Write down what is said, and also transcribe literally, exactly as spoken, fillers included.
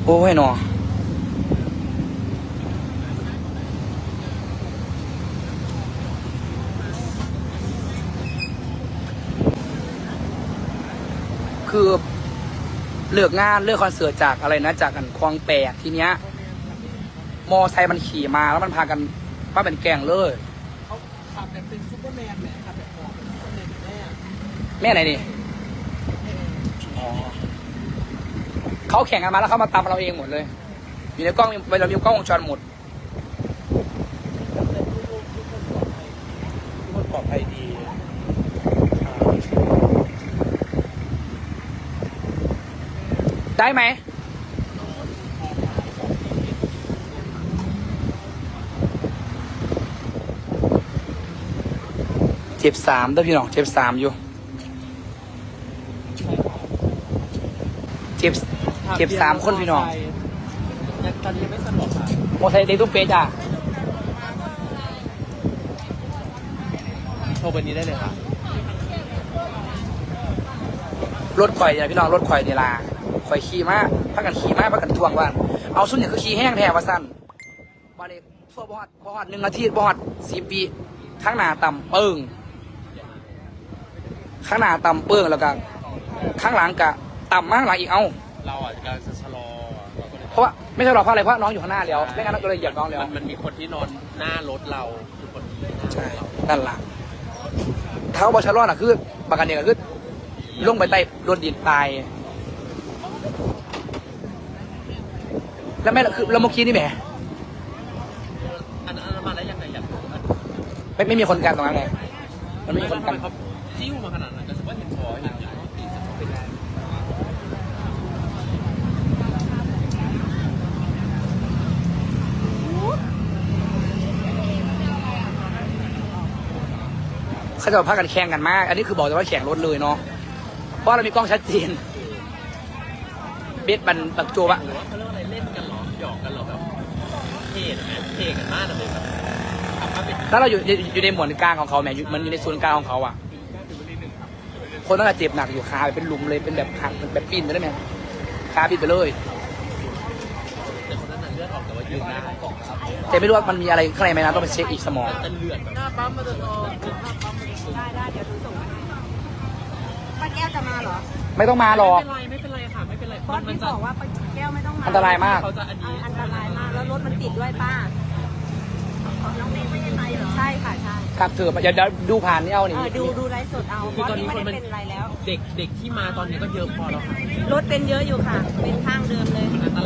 โอ้ยหนอคือเลือกงานเลือกคอนเสิร์ตจากอะไรนะจากกันคลองแปดทีเนี้ยมอไซค์มันขี่มาแล้วมันพากันมาเป็นแกงเลยเขาขับแบบเป็นซูเปอร์แมนเนี่ยขับแบบของเป็นซูเปอร์แมนแม่แม่ไหนนี่อ๋อเขาแข่งกันมาแล้วเขามาตามเราเองหมดเลยอยู่ในกล้องเวลามีกล้องวงจรหมดทุกคนปลอดภัยดีอ่าได้ไหมเจ็บสามเด้อพี่น้องเจ็บสามอยู่เจ็บเจ็บสามคนพี่น้องยังตอนนี้ยังไม่สะดวกค่ะโมไซค์เด็กตุ้มเป๊ะจ้ะโทรเบอร์นี้ได้เลยค่ะรถข่อยเนี่ยพี่น้องรถข่อยเนี่ยลาข่อยขี่มาพักกันขี่มาพักกันทวงว่านเอาสุดเนี่ยคือขี่แห้งแท้ว่าสั้นวันนี้ทั่วบอดบอดหนึ่งอาทิตย์บอดสี่ปีข้างหน้าต่ำเปิ้งข้างหน้าต่ำเปิ้งแล้วก็ข้างหลังกะต่ำมากหลังอีกเอาเราอาจจะจะชะลอเราก็เลยเพราะว่าไม่ใช่หรอกเพราะอะไรเพราะน้องอยู่ข้างหน้าแล้วไม่งั้นเราก็เลยเหยียบน้องแล้วมันมันมีคนที่นอนหน้ารถเราคือคนที่หน้าใช่เรานั่นล่ะเท้าบอชาร์ลอ่ะคือปากกันเนี่ยก็คือลงไปใต้โดนดินตายแล้วแม่คือแล้วเมื่อกี้นี่แหมอันนั้นมาแล้วยังไงอยากรู้อันไม่ไม่มีคนกันตรงนั้นไงมันไม่มีคนทำกันไมเขาจิ้วมาขนาดนั้นก็ถือว่าเห็นคอเห็นอย่างนี้ตีสมองไปได้เขาจะมาพากันแข่งกันมาก อันนี้คือบอกแต่ว่าแข่งรถเลยเนาะเพราะเรามีกล้องชัดเจนเบสบันตักตัววะหรือว่าเขาเรียกว่าอะไรเล่นกันเหรอหยอกกันเหรอแบบเท่ไหมเท่กันมากเลยแบบทำมาเป็นถ้าเราอยู่อยู่ในหมวดกลางของเขาแหมอยู่มันอยู่ในศูนย์กลางของเขาอ่ะ คนต้องเจ็บหนักอยู่ขาเป็นหลุมเลยเป็นแบบหักเป็นแบบปิ้นไปได้ไหมขาปิ้นไปเลยแต่คนนั้นน่ะเลือดออกแต่ว่ายืนได้กล่องครับแต่ไม่รู้ว่ามันมีอะไรข้างในไหมนะต้องไปเช็คอีกสมองแต่เลือดหน้าปั๊มมาจะนอนหน้าปั๊มมาจะสูงได้ได้เดี๋ยวดูส่งมาให้ป้าแก้วจะมาเหรอไม่ต้องมาหรอกไม่เป็นไรไม่เป็นไรค่ะไม่เป็นไรบอสมันพี่จะบอกว่าป้าแก้วไม่ต้องมาอันตรายมากเขาจะอันนี้อันตรายมากแล้วรถมันติดด้วยป้าน้องเมย์ไม่ได้ไปเหรอใช่ค่ะใช่ครับเถอะเดี๋ยวเดี๋ยวดูผ่านนี่เอาเอนี่อดูดูไลฟ์สดเอาบอสนี่ไม่ได้เป็นอะไรแล้วเด็กเด็กที่มาตอนนี้ก็เยอะพอแล้วค่ะรถเป็นเยอะอยู่ค่ะ เป็นข้างเดิมเลยมันอันต